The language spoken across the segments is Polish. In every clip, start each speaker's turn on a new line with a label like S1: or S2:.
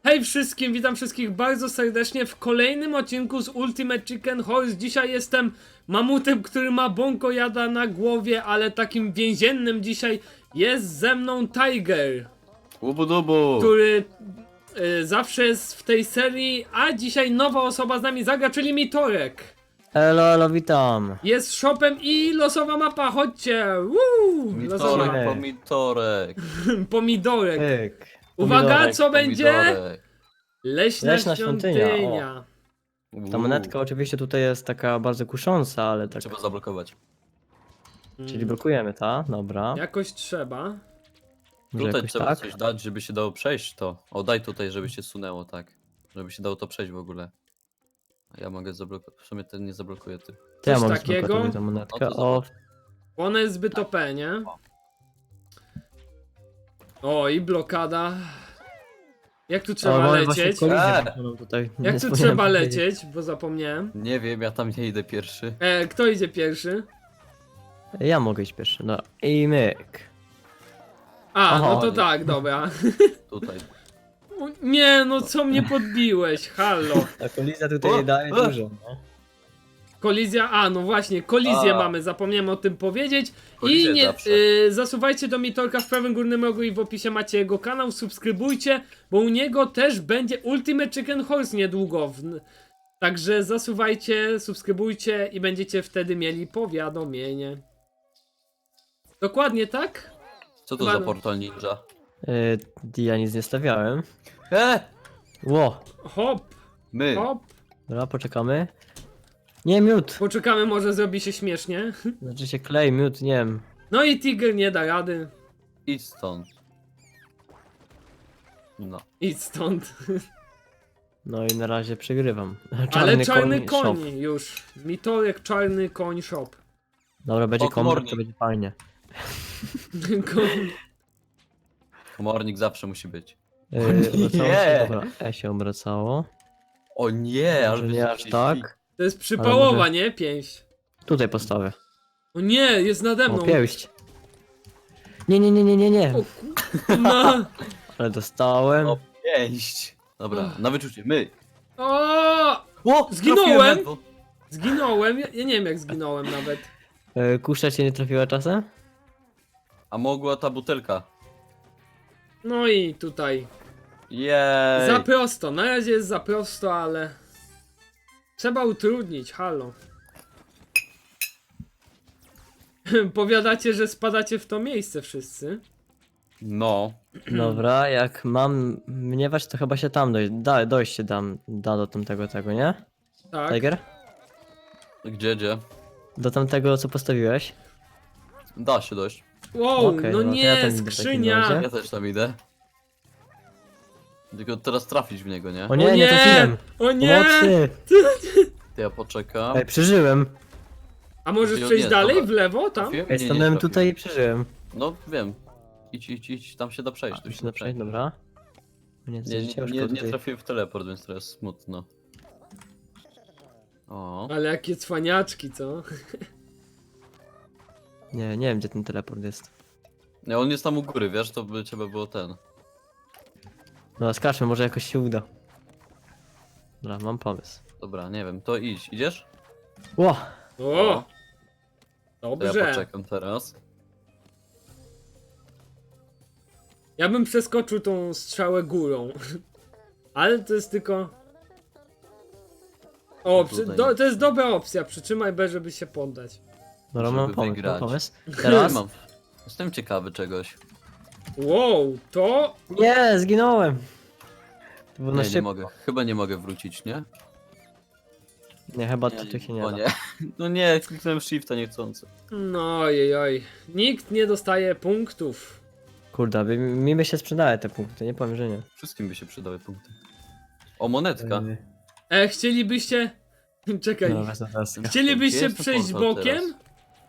S1: Hej wszystkim, witam wszystkich bardzo serdecznie w kolejnym odcinku z Ultimate Chicken Horse. Dzisiaj jestem mamutem, który ma bąkojada na głowie, ale takim więziennym dzisiaj jest ze mną Tiger,
S2: Łubu-dubu!
S1: który zawsze jest w tej serii, a dzisiaj nowa osoba z nami zagra, czyli Mitorek.
S3: Elo, witam.
S1: Jest shopem i losowa mapa, chodźcie! Woo! Losowa.
S2: Mitorek, pomitorek.
S1: Pomidorek.
S3: Pyk.
S1: Uwaga,
S3: Pomidorek.
S1: co będzie?
S2: Pomidorek.
S1: Leśna
S3: Leśna świątynia,
S1: świątynia.
S3: Ta monetka oczywiście tutaj jest taka bardzo kusząca, ale tak.
S2: Trzeba zablokować.
S3: Czyli blokujemy, ta? Dobra.
S1: Jakoś trzeba.
S3: Może
S2: Tutaj
S3: jakoś
S2: trzeba
S3: tak?
S2: coś dać, żeby się dało przejść to. O, daj tutaj, żeby się sunęło, tak. Żeby się dało to przejść w ogóle. A ja mogę zablokować. W sumie ten nie zablokuje ty.
S3: To ja
S1: Coś
S3: mam
S1: takiego?
S3: zblokować tę monetkę.
S2: No to
S3: O,
S1: Ona jest zbyt OP, nie? O, i blokada. Jak tu trzeba
S3: mamy właśnie
S1: lecieć?
S3: kolizję,
S2: Eee!
S3: którą tutaj
S1: Jak
S3: nie
S1: tu
S3: wspomniałem
S1: trzeba
S3: powiedzieć.
S1: lecieć? Bo zapomniałem.
S2: Nie wiem, ja tam nie idę pierwszy.
S1: Kto idzie pierwszy?
S3: Ja mogę iść pierwszy, no i myk.
S1: A,
S3: Aha,
S1: no to
S2: nie.
S1: tak, dobra.
S2: Tutaj.
S1: O, nie, no co mnie podbiłeś? Halo.
S3: Ta kolizja tutaj
S2: O,
S3: daje
S2: o.
S3: dużo, no.
S1: Kolizja, no właśnie, kolizję
S2: A.
S1: mamy, zapomniałem o tym powiedzieć.
S2: Kolizję
S1: I nie,
S2: zawsze.
S1: zasuwajcie do Mitorka w prawym górnym rogu i w opisie macie jego kanał, subskrybujcie, bo u niego też będzie Ultimate Chicken Horse niedługo. Także zasuwajcie, subskrybujcie i będziecie wtedy mieli powiadomienie. Dokładnie tak?
S2: Co to
S1: Chyba-
S2: za portal ninja?
S3: Ja nic nie stawiałem. Ło,
S1: Hop,
S2: My!
S1: hop.
S3: dobra, poczekamy. Nie, miód.
S1: Poczekamy, może zrobi się śmiesznie.
S3: Znaczy się klej, miód, nie wiem.
S1: No i Tiger nie da rady.
S2: Idź stąd. No.
S1: Idź stąd.
S3: No i na razie przegrywam.
S1: Ale czarny
S3: shop.
S1: koń już. Mitorek, czarny koń shop.
S3: Dobra, będzie
S2: O,
S3: komor,
S2: komornik.
S3: to będzie fajnie.
S2: Komornik zawsze musi być.
S3: Obracało
S2: Nie.
S3: się, dobra, się obracało.
S2: O nie, ale
S3: Może nie aż tak.
S1: To jest przypałowa,
S3: może-
S1: nie? Pięść.
S3: Tutaj postawię.
S1: O nie, jest nade mną.
S3: O, pięść. Nie.
S1: O kurwa.
S3: Ale dostałem.
S2: O, pięść. Dobra, na wyczucie, my.
S1: O!
S2: O,
S1: Zginąłem!
S2: trafiłem ledwo.
S1: Zginąłem. Ja nie wiem jak zginąłem nawet.
S3: Kusza cię nie trafiła czasem?
S2: A mogła ta butelka.
S1: No i tutaj.
S2: Jej.
S1: Za prosto. Na razie jest za prosto, ale... Trzeba utrudnić, halo. Powiadacie, że spadacie w to miejsce wszyscy.
S2: No.
S3: Dobra, jak mam mniewać, to chyba się tam dojść się da do tamtego tego, nie?
S1: Tak.
S3: Tiger?
S2: Gdzie?
S3: Do tamtego, co postawiłeś?
S2: Da się dojść.
S1: Wow,
S3: Okej,
S1: no
S3: no to
S1: nie,
S3: ja tam idę w takim
S1: skrzynia.
S3: razie.
S2: Ja też tam idę. Tylko teraz trafić w niego, nie?
S3: O nie, nie trafiłem!
S1: O nie!
S3: Pomocy!
S2: To ja poczekam.
S3: Ej, przeżyłem!
S1: A możesz
S2: Nie,
S1: przejść
S2: nie,
S1: dalej
S2: dobra.
S1: w lewo tam?
S2: Trafiłem?
S3: Ej,
S2: Nie,
S3: stanąłem
S2: trafiłem.
S3: tutaj i przeżyłem.
S2: No wiem. Idź, tam się da przejść. Tu się da przejść.
S3: Dobra. O nie, to
S2: Nie,
S3: jest ciężko
S2: nie
S3: tutaj.
S2: trafiłem w teleport, więc teraz smutno. O.
S1: Ale jakie cwaniaczki, co?
S3: Nie wiem, gdzie ten teleport jest.
S2: Nie, on jest tam u góry, wiesz, to by trzeba było ten.
S3: No, skaczmy, może jakoś się uda. Dobra, mam pomysł.
S2: Dobra, nie wiem, to idź. Idziesz?
S3: Ło!
S1: O!
S2: To ja
S1: Dobrze.
S2: poczekam teraz.
S1: Ja bym przeskoczył tą strzałę górą. Ale to jest tylko... O,
S2: Tutaj
S1: to jest dobra opcja. Przytrzymaj B, żeby się poddać.
S3: Dobra,
S2: Żeby
S3: mam pomysł,
S2: wygrać.
S3: Teraz?
S2: Mam. Jestem ciekawy czegoś.
S1: Wow, to...
S3: Nie, zginąłem! To było na
S2: Nie, nie
S3: szybko.
S2: mogę. Chyba nie mogę wrócić, nie?
S3: Nie, chyba to się nie
S2: O
S3: da.
S2: nie. No nie, kliknąłem shifta niechcący.
S1: No ojej. Nikt nie dostaje punktów.
S3: Kurde, mi by się sprzedały te punkty, nie powiem, że nie.
S2: Wszystkim by się przydały punkty. O, monetka.
S1: Chcielibyście... Czekaj.
S3: No, wezmę teraz.
S1: Chcielibyście
S2: Gdzie jest ten
S1: przejść
S2: portal
S1: bokiem?
S2: teraz?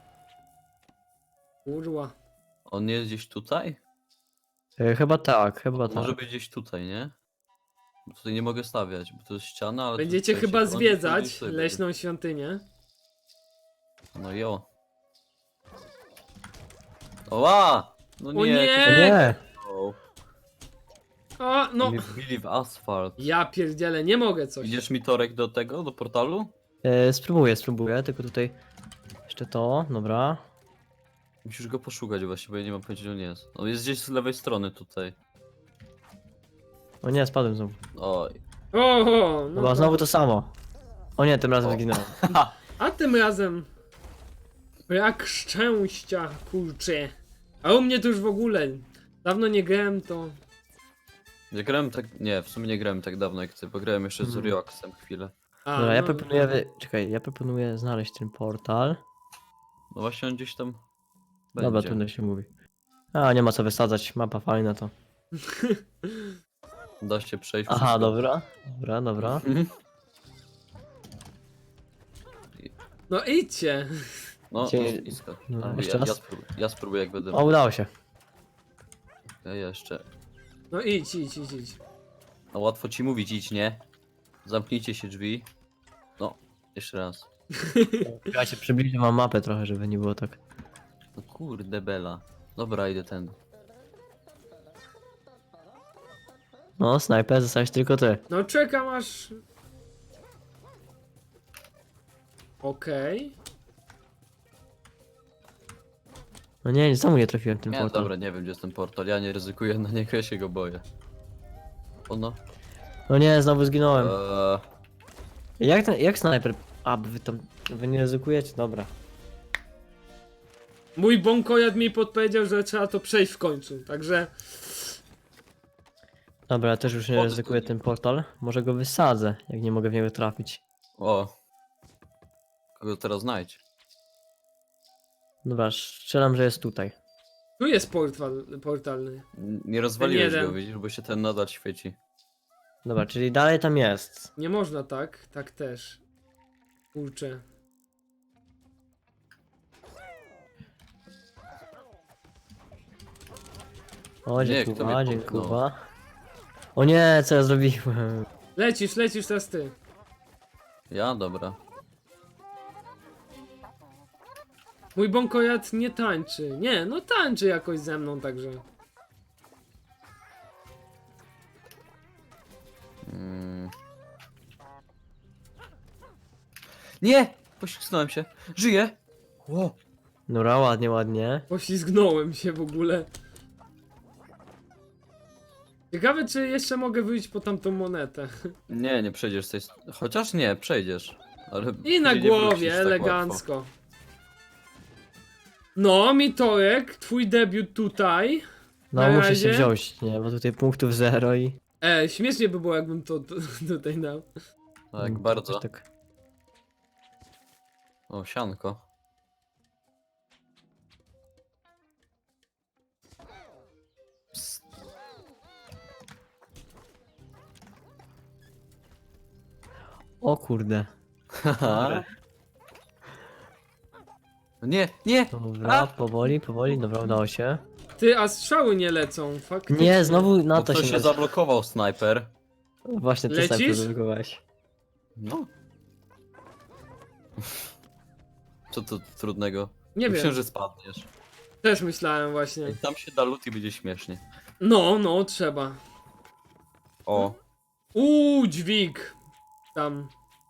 S1: Kurwa.
S2: On jest gdzieś tutaj?
S3: Chyba tak, chyba tak.
S2: Może być gdzieś tutaj, nie? Bo tutaj nie mogę stawiać, bo to jest ściana, ale... tu
S1: Będziecie
S2: tutaj
S1: chyba
S2: się- on gdzieś
S1: zwiedzać
S2: tutaj
S1: leśną świątynię.
S2: będzie. No jo. Oła! No
S1: O
S2: nie!
S1: nie!
S2: to się-
S3: Nie!
S2: O.
S1: O, no.
S2: Mnie wbili w asfalt.
S1: Ja pierdzielę, nie mogę coś.
S2: Idziesz mi Torek do tego, do portalu?
S3: Spróbuję, tylko tutaj jeszcze to, dobra.
S2: Musisz go poszukać właśnie, bo ja nie mam pojęcia, gdzie on jest. On jest gdzieś z lewej strony tutaj.
S3: O nie, spadłem znowu.
S2: Oj.
S1: Oho, no
S3: Chyba
S1: to...
S3: znowu to samo. O nie, tym razem
S2: O.
S3: zginąłem.
S1: A tym razem... Brak szczęścia, kurczę. A u mnie to już w ogóle... Dawno nie grałem, to...
S2: Nie grałem tak. Nie, w sumie nie grałem tak dawno jak ty, bo grałem jeszcze z Rioxem chwilę.
S1: A,
S3: Dobra, ja
S1: no,
S3: proponuję, czekaj, ja proponuję znaleźć ten portal.
S2: No właśnie on gdzieś tam.
S3: Dobra,
S2: Będzie.
S3: trudno się mówi. A, nie ma co wysadzać, mapa fajna to.
S2: Da się przejść.
S3: Aha,
S2: wszystko.
S3: dobra.
S2: Mhm.
S1: No idźcie.
S2: No,
S3: Gdzie-
S2: jest blisko.
S3: no,
S2: A,
S3: jeszcze raz?
S2: Ja spróbuję jak będę.
S3: O, udało się.
S2: Ja jeszcze.
S1: No idź.
S2: No łatwo ci mówić, idź, nie? Zamknijcie się drzwi. No, jeszcze raz.
S3: Ja się przybliżę, mam mapę trochę, żeby nie było tak.
S2: No kurde bela. Dobra, idę ten.
S3: No, snajper, zostałeś tylko ty.
S1: No czekam aż... Okej.
S3: No nie, znowu nie trafiłem w ten
S2: Nie,
S3: portal.
S2: dobra, nie wiem gdzie jest ten portal. Ja nie ryzykuję na niego, ja się go boję. O no.
S3: No nie, znowu zginąłem.
S2: Eee,
S3: Jak snajper? A, wy nie ryzykujecie? Dobra.
S1: Mój bąkojad mi podpowiedział, że trzeba to przejść w końcu, także...
S3: Dobra, ja też już nie ryzykuję ten portal. Może go wysadzę, jak nie mogę w niego trafić.
S2: o. Kogo teraz znajdź?
S3: Dobra, strzelam, że jest tutaj.
S1: Tu jest portalny.
S2: Nie rozwaliłeś
S1: jeden.
S2: go, widzisz, bo się ten nadal świeci.
S3: Dobra, czyli dalej tam jest.
S1: Nie można tak, tak też. Kurczę.
S3: O,
S2: Nie, kto
S3: dziękuję,
S2: mnie
S3: dziękuję.
S2: popchnął?
S3: O nie, co ja zrobiłem?
S1: Lecisz teraz ty.
S2: Ja? Dobra.
S1: Mój bąkojad nie tańczy. Nie, no tańczy jakoś ze mną, także...
S2: Mm. Nie! Poślizgnąłem się. Żyję! Ło!
S3: Dobra, ładnie, ładnie.
S1: Poślizgnąłem się w ogóle. Ciekawe, czy jeszcze mogę wyjść po tamtą monetę.
S2: Nie, nie przejdziesz z tej... Chociaż nie, przejdziesz. Ale
S1: I na
S2: później nie wrócisz
S1: głowie,
S2: tak łatwo.
S1: elegancko. No, Mitorek, twój debiut tutaj.
S3: No,
S1: Na
S3: muszę
S1: razie?
S3: się wziąć, nie? Bo tutaj punktów zero i...
S1: Śmiesznie by było, jakbym to tutaj dał.
S2: Tak, bardzo.
S3: Jakoś tak.
S2: O, sianko. Psst.
S3: O kurde.
S2: Haha. Nie, nie!
S3: Dobra,
S2: A!
S3: powoli, dobra, udało się.
S1: Ty, a strzały nie lecą, faktycznie.
S3: Nie, znowu na
S2: No
S3: to
S2: to
S3: się...
S2: się zablokował snajper.
S3: Właśnie ty
S1: Lecisz?
S3: snajper zablokowałeś.
S2: No. Co tu trudnego?
S1: Nie
S2: Myślę,
S1: wiem,
S2: że spadniesz.
S1: też myślałem właśnie.
S2: I tam się da lód i będzie śmiesznie.
S1: No, trzeba.
S2: O,
S1: Dźwig. Tam.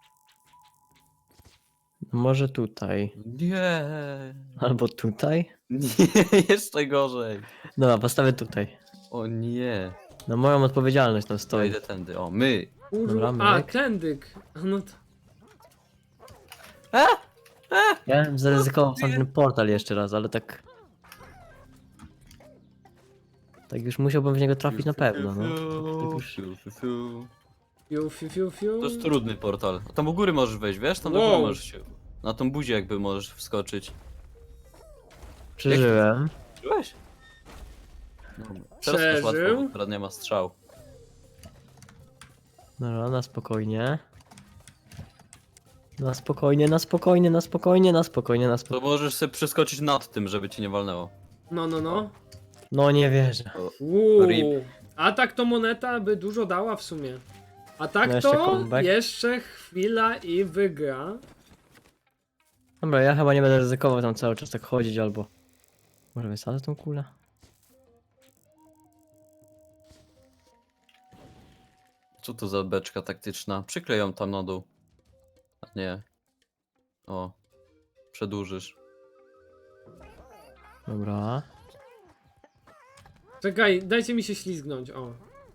S3: Może tutaj.
S2: nie.
S3: Albo tutaj.
S2: Nie, jeszcze gorzej.
S3: Dobra, postawię tutaj.
S2: O nie.
S3: Na moją odpowiedzialność tam
S2: To
S3: stoi.
S2: idę tędy. O, my.
S1: Kurwa.
S3: Dobra,
S1: A,
S3: myk.
S1: tędyk. No to...
S3: Ja bym zaryzykował sam ten portal jeszcze raz, ale tak... Tak już musiałbym w niego trafić na pewno, no. Tak już...
S1: Fiu.
S2: To jest trudny portal. Tam u góry możesz wejść, wiesz? Tam do
S1: Wow.
S2: góry możesz się... Na tą buzię jakby możesz wskoczyć.
S3: Przeżyłem.
S2: Byłeś? No, teraz jest łatwo,
S1: Przeżył.
S2: bo teraz nie ma strzał.
S3: Dobra, na spokojnie. Na spokojnie, na spokojnie, na spokojnie, na spokojnie, na
S2: To
S3: spokojnie.
S2: możesz sobie przeskoczyć nad tym, żeby cię nie walnęło.
S1: No.
S3: No nie wierzę.
S2: Rip.
S1: A tak to moneta by dużo dała w sumie. A tak
S3: No jeszcze
S1: to
S3: comeback.
S1: jeszcze chwila i wygra.
S3: Dobra, ja chyba nie będę ryzykował tam cały czas tak chodzić, albo... Może wysadzę tą kulę?
S2: Co to za beczka taktyczna? Przykleją tam na dół. A nie. O. Przedłużysz.
S3: Dobra.
S1: Czekaj, dajcie mi się ślizgnąć, o.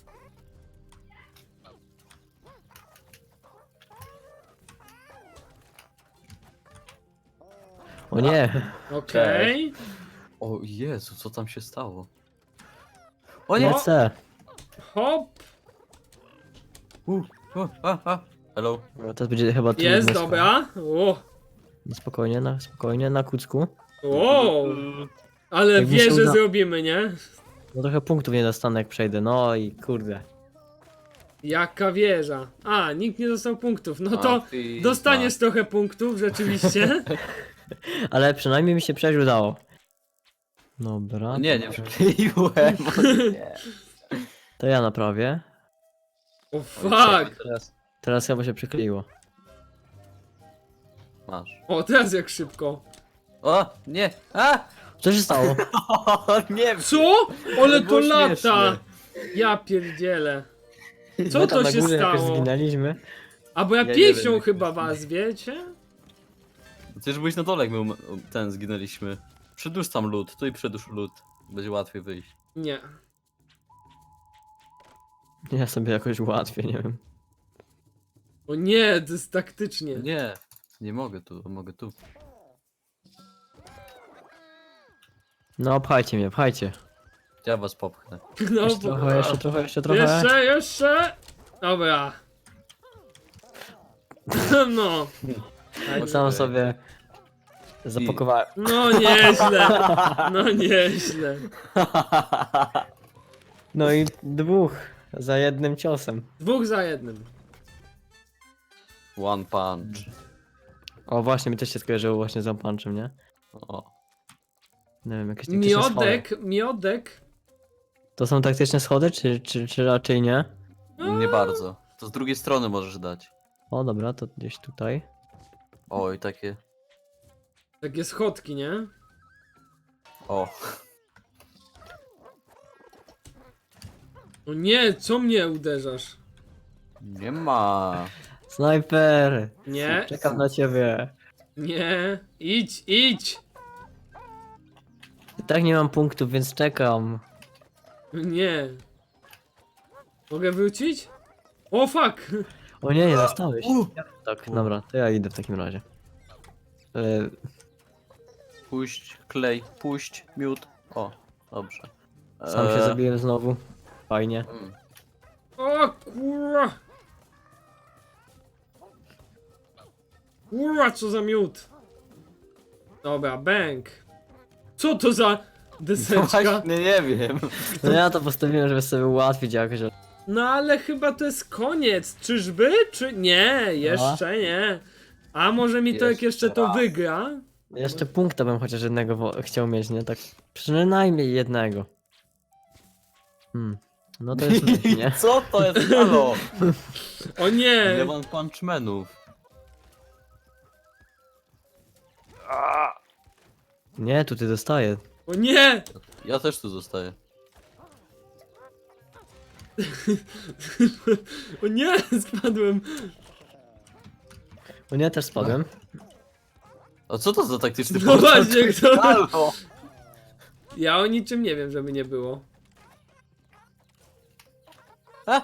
S3: O nie!
S1: Okej.
S2: O Jezu, co tam się stało? O nie!
S3: Lecę!
S1: Hop.
S2: Hello.
S3: No, to będzie chyba trudne.
S1: Jest, dobra. O.
S3: Spokojnie, na kucku.
S1: Wow. Ale
S3: Jak mi się
S1: wieżę
S3: uda-
S1: zrobimy, nie?
S3: No trochę punktów nie dostanę jak przejdę, no i kurde.
S1: Jaka wieża. A, nikt nie dostał punktów. No to
S2: ty
S1: dostaniesz trochę punktów, rzeczywiście.
S3: Ale przynajmniej mi się przejść udało. Dobra.
S2: Nie przykleiłem. Nie.
S3: To ja naprawię.
S1: O fuck.
S3: Teraz chyba się przykleiło.
S2: Masz.
S1: O, teraz jak szybko.
S2: O, nie! A!
S3: Co się stało?
S2: O, nie!
S1: Co? Ale to
S2: było
S1: lata.
S2: śmieszne.
S1: Ja pierdzielę. Co
S3: My tam
S1: to
S3: na
S1: się
S3: górze jakoś
S1: stało?
S3: zginęliśmy.
S1: A bo ja
S2: Ja nie
S1: pięścią
S2: wiem,
S1: chyba
S2: jak to
S1: was, wiecie?
S2: Przecież byłeś na dole, jak my ten zginęliśmy. Przedłuż tam lód, tu i przedłuż lód. Będzie łatwiej wyjść.
S1: Nie.
S3: Ja sobie jakoś łatwiej, nie wiem.
S1: O nie, to jest taktycznie.
S2: Nie, nie mogę tu, mogę tu.
S3: No pchajcie mnie, pchajcie.
S2: Ja was popchnę.
S1: No,
S3: Jeszcze
S1: bo...
S3: trochę, jeszcze trochę, jeszcze trochę.
S1: Jeszcze. Dobra. No.
S3: Sam sobie zapakowałem.
S1: No nieźle. No nieźle.
S3: No i dwóch za jednym ciosem.
S1: 2 za 1.
S2: One punch.
S3: O właśnie, mi też się skojarzyło właśnie z Punczem, nie?
S2: O.
S3: Nie wiem, jakieś taktyczne schody.
S1: Miodek.
S3: To są taktyczne schody, czy raczej nie?
S2: Nie bardzo. To z drugiej strony możesz dać.
S3: O dobra, to gdzieś tutaj.
S2: Oj, takie.
S1: Takie schodki, nie?
S2: O.
S1: O nie, co mnie uderzasz?
S2: Nie ma.
S3: Snajper!
S1: Nie,
S3: Czekam na ciebie.
S1: nie. Idź.
S3: I tak nie mam punktów, więc czekam.
S1: Nie. Mogę wrócić? O fuck!
S3: O nie, nie dostałeś. Tak, dobra, to ja idę w takim razie.
S2: Puść, klej, puść, miód. O, dobrze.
S3: Sam się zabiłem znowu. Fajnie.
S1: O kurwa! Kurwa, co za miód! Dobra, bank. Co to za deseczka?
S2: Właśnie nie wiem.
S3: No ja to postawiłem, żeby sobie ułatwić jakoś. ale-
S1: No ale chyba to jest koniec. Czyżby? Czy nie? Jeszcze nie. A może mi to jak
S2: Jeszcze
S1: jeszcze to
S2: raz.
S1: wygra?
S3: Jeszcze punkta bym chociaż jednego chciał mieć, nie? Tak przynajmniej jednego. No to jest myśl, nie?
S2: Co to jest? Halo?
S1: O nie!
S2: Nie mam punchmenów.
S3: Nie, tu ty dostaję.
S1: O nie!
S2: Ja też tu zostaję.
S1: O nie! Spadłem.
S3: O nie, też spadłem.
S2: A co to za taktyczny
S1: No
S2: portal?
S1: właśnie, kto-
S2: Halo?
S1: Ja o niczym nie wiem, żeby nie było.
S2: A?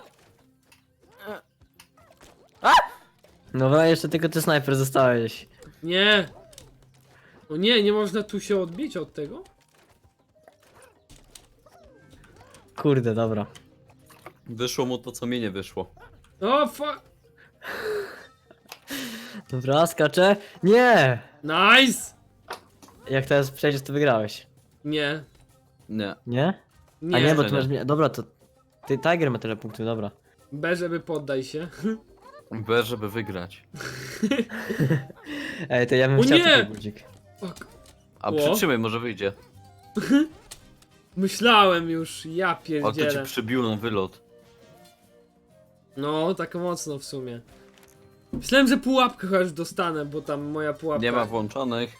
S3: No jeszcze tylko ty snajper zostałeś.
S1: Nie! O nie, nie można tu się odbić od tego?
S3: Kurde, dobra.
S2: Wyszło mu to, co mi nie wyszło.
S1: O fuck!
S3: Dobra, skaczę. Nie!
S1: Nice!
S3: Jak teraz przejdziesz, to wygrałeś.
S1: Nie.
S2: Nie.
S3: Nie?
S1: Nie.
S3: A nie, bo
S2: że
S3: ty masz... Dobra, to... Ty Tiger ma tyle punktów, dobra.
S1: B, żeby poddaj się.
S2: B, żeby wygrać.
S3: Ej, to ja bym
S1: O
S3: chciał
S1: nie!
S3: taki budzik.
S1: Fuck.
S2: A
S1: O.
S2: przytrzymaj, może wyjdzie.
S1: Myślałem już, ja
S2: O, kto ci
S1: pierdzielę.
S2: przybił na wylot.
S1: No, tak mocno w sumie. Myślałem, że pułapkę chociaż dostanę, bo tam moja pułapka...
S2: Nie ma włączonych.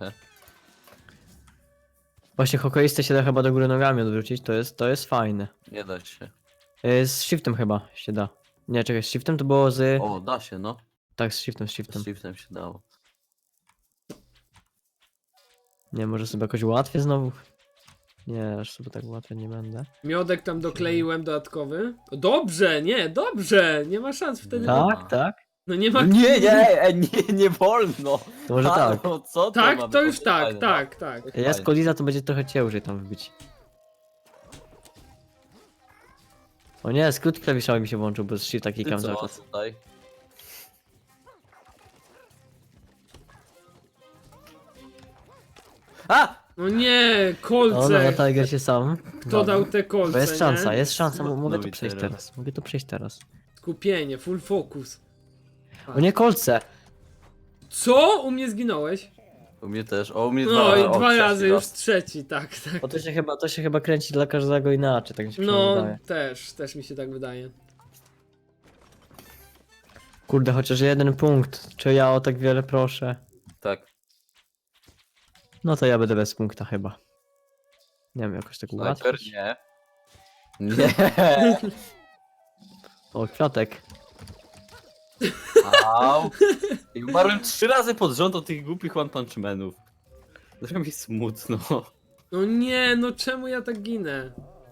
S3: Właśnie hokeistę się da chyba do góry nogami odwrócić, to jest fajne.
S2: Nie da się.
S3: Z shiftem chyba się da. Nie, czekaj, z shiftem to było z...
S2: O, da się, no.
S3: Tak, z shiftem, z shiftem.
S2: Z shiftem się dało.
S3: Nie, może sobie jakoś łatwiej znowu? Nie, aż sobie tak łatwo nie będę.
S1: Miodek tam dokleiłem dodatkowy. O, dobrze, nie, dobrze. Nie ma szans wtedy.
S3: Tak, tak?
S1: No nie ma.
S2: Nie wolno!
S3: To może tak.
S2: Halo, co to
S1: Tak,
S2: ma
S1: to
S2: być?
S1: już tak,
S2: Fajne,
S1: tak, tak.
S2: no.
S3: Jest
S2: Fajne.
S3: koliza, to będzie trochę ciężej tam wbić. O nie, skrót klawiszowy mi się włączył, bo z shifta
S2: Ty
S3: klikam cały
S2: co
S3: czas.
S2: tutaj? A!
S1: No nie,
S3: O, no,
S1: kolce.
S3: Tiger się sam.
S1: Kto dał te kolce?
S3: Bo jest szansa,
S1: nie?
S3: jest szansa, mogę
S2: Smutno
S3: to
S2: mi
S3: przejść
S2: teraz.
S3: teraz. Mogę to przejść teraz.
S1: Skupienie, full focus.
S3: O nie, kolce!
S1: Co? U mnie zginąłeś?
S2: U mnie też. O, u mnie
S1: No i
S2: o,
S1: dwa
S2: trzeci
S1: razy, już
S2: raz.
S1: trzeci, tak, tak.
S3: Bo to się chyba kręci dla każdego inaczej, tak mi się przynajmniej
S1: No,
S3: wydaje.
S1: też mi się tak wydaje.
S3: Kurde, chociaż jeden punkt. Czy ja o tak wiele proszę?
S2: Tak.
S3: No to ja będę bez punkta chyba. Nie wiem, jakoś tak
S2: Snajper?
S3: ułatwić.
S2: Nie. Nie.
S3: O, kwiatek.
S2: Au. I umarłem 3 razy pod rząd od tych głupich One Punch Manów. Trochę mi smutno.
S1: No nie, no czemu ja tak ginę?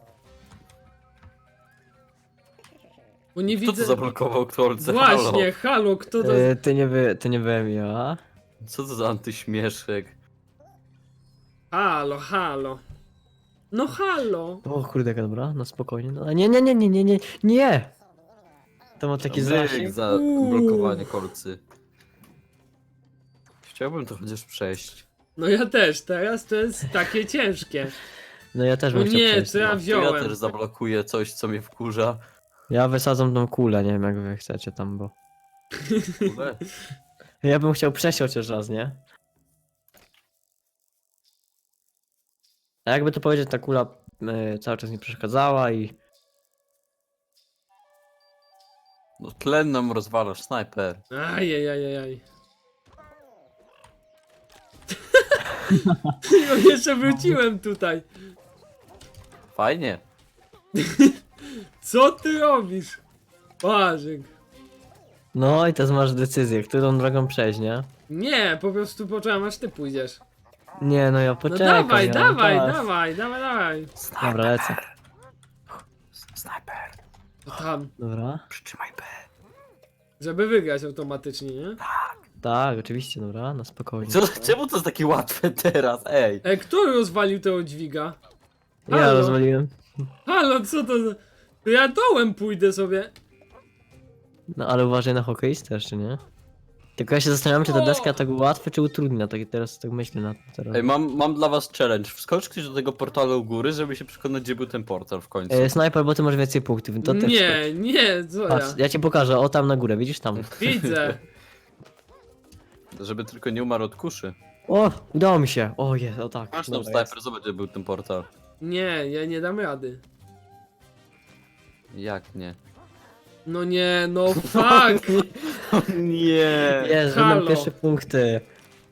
S1: Bo nie
S2: Kto
S1: widzę.
S2: to zablokował kolce?
S1: Właśnie, halo, kto to.
S3: Ty nie byłem ja.
S2: Halo. Co to za antyśmieszek?
S1: Halo, halo. No halo.
S3: O kurde, jaka dobra, no spokojnie. No, nie! To ma taki
S2: Bzyk
S3: zasięg.
S2: za blokowanie kolcy. Chciałbym to chociaż przejść.
S1: No ja też, teraz to jest takie ciężkie.
S3: No ja też
S1: O
S3: bym chciał
S1: nie,
S3: przejść.
S1: co ja
S2: To ja
S1: wziąłem?
S2: też zablokuję coś, co mnie wkurza.
S3: Ja wysadzam tą kulę, nie wiem jak wy chcecie tam, bo...
S2: Kurde.
S3: Ja bym chciał przejść chociaż raz, nie? A jakby to powiedzieć, ta kula cały czas mi przeszkadzała i...
S2: No tlen nam rozwalasz, snajper.
S1: Ajajajajaj. No jeszcze wróciłem tutaj.
S2: Fajnie.
S1: Co ty robisz? Błażek.
S3: No i teraz masz decyzję, którą drogą przejść, nie?
S1: Nie, po prostu poczekam aż ty pójdziesz.
S3: Nie, no ja
S1: No
S3: poczekam.
S1: dawaj,
S3: ja mam
S1: dawaj,
S3: czas.
S1: dawaj, dawaj, dawaj.
S3: Dobra, lecę.
S2: Snajper.
S1: To tam,
S3: Dobra.
S2: Przytrzymaj B.
S1: żeby wygrać automatycznie, nie?
S3: Tak, oczywiście, dobra, na spokojnie.
S2: Czemu to jest takie łatwe teraz, ej?
S1: Kto rozwalił tego dźwiga?
S3: Ja
S1: Halo?
S3: rozwaliłem.
S1: Halo, co to za... To ja dołem pójdę sobie.
S3: No ale uważaj na hokeistę jeszcze, nie? Tylko ja się zastanawiam, czy ta deska tak łatwe, czy utrudnia, tak teraz tak myślę na tym teraz.
S2: Ej, mam dla was challenge. Wskocz ktoś do tego portalu u góry, żeby się przekonać, gdzie był ten portal w końcu.
S3: Snajper, bo ty masz więcej punktów, to też skocz.
S1: Nie, co ja?
S3: Patrz, ja ci pokażę, o tam na górę, widzisz tam.
S1: Widzę.
S2: Żeby tylko nie umarł od kuszy.
S3: O, udało mi się. O jest, o tak.
S2: Masz tam
S3: dobra,
S2: snajper, zobacz, gdzie był ten portal.
S1: Nie, ja nie dam rady.
S2: Jak nie?
S1: No nie, no fuck!
S2: Nie.
S3: Jest,
S1: Halo.
S3: mam pierwsze punkty.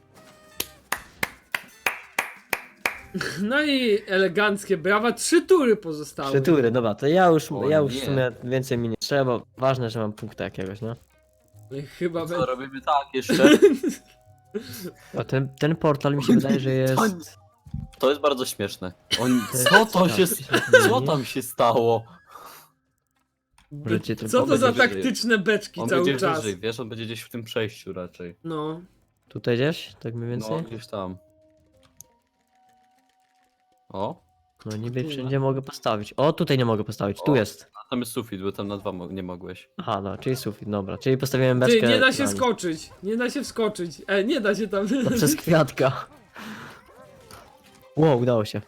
S1: No i eleganckie brawa, 3 tury pozostały.
S3: 3 tury, dobra, to ja już w
S2: nie.
S3: sumie więcej mi nie trzeba. Ważne, że mam punkta jakiegoś, no.
S1: Chyba
S2: Co
S1: będzie.
S2: robimy tak jeszcze?
S3: A ten portal mi się wydaje, że jest...
S2: To jest bardzo śmieszne.
S3: Tak,
S2: Co tam się stało?
S3: Możecie tylko
S1: Co to za
S2: będzie wyżej.
S1: taktyczne beczki
S2: On
S1: cały
S2: będzie
S1: czas?
S2: wyżej, wiesz, on będzie gdzieś w tym przejściu raczej.
S1: No.
S3: Tutaj gdzieś, tak mniej więcej?
S2: No, gdzieś tam. O,
S3: No niby wszędzie mogę postawić. O, tutaj nie mogę postawić, tu
S2: O.
S3: jest.
S2: a tam jest sufit, bo tam na 2 nie mogłeś.
S3: Aha, no, czyli sufit, dobra. Czyli postawiłem beczkę...
S1: Ty, nie da się
S3: na nim.
S1: skoczyć. Nie da się wskoczyć. Nie da się tam.
S3: To przez kwiatka. Wow, udało się.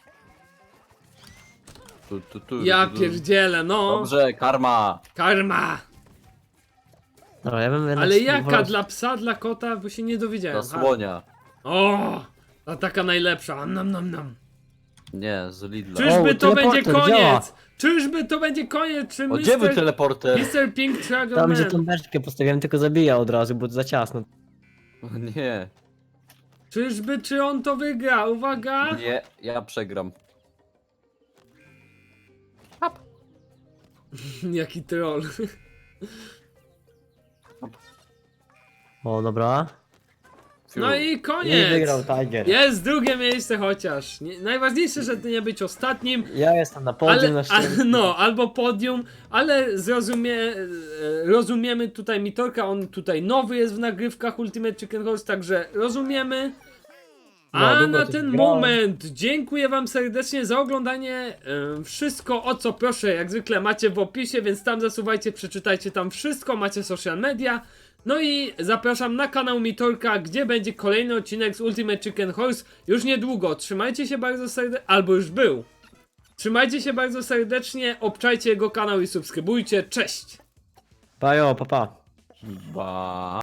S1: Ja pierdzielę, no.
S2: Dobrze, karma!
S1: Karma.
S3: Dobra, ja bym
S1: Ale
S3: jednak
S1: jaka?
S3: wolał-
S1: Dla psa, dla kota? Bo się nie dowiedziałem.
S2: Dla słonia.
S1: O! Ta taka najlepsza. Nam.
S2: Nie, z Lidla.
S1: Czyżby
S3: O,
S1: to będzie
S3: teleporter działa.
S1: koniec? Czyżby to będzie koniec? Czy
S2: O, gdzie był teleporter?
S1: Mr. Pink Dragon
S3: Tam, gdzie
S1: Man?
S3: tą beczkę postawiłem, tylko zabija od razu, bo to za ciasno.
S2: O, nie,
S1: Czyżby, czy on to wygra? Uwaga!
S2: nie, ja przegram.
S1: Jaki troll.
S3: O, dobra.
S1: No i
S3: I
S1: koniec!
S3: wygrał Tiger.
S1: Jest drugie miejsce chociaż. Najważniejsze, żeby nie być ostatnim.
S3: Ja jestem na podium na szczęście.
S1: No, albo podium, ale rozumiemy tutaj Mitorka, on tutaj nowy jest w nagrywkach Ultimate Chicken Horse, także rozumiemy.
S3: No,
S1: A
S3: długo
S1: na
S3: to
S1: ten
S3: grałem.
S1: moment dziękuję wam serdecznie za oglądanie. Wszystko o co proszę jak zwykle macie w opisie, więc tam zasuwajcie, przeczytajcie tam wszystko, macie social media. No i zapraszam na kanał Mitorka, gdzie będzie kolejny odcinek z Ultimate Chicken Horse już niedługo. Trzymajcie się bardzo serdecznie, albo już był. Trzymajcie się bardzo serdecznie, obczajcie jego kanał i subskrybujcie. Cześć!
S3: Bajo, papa.
S2: Ba.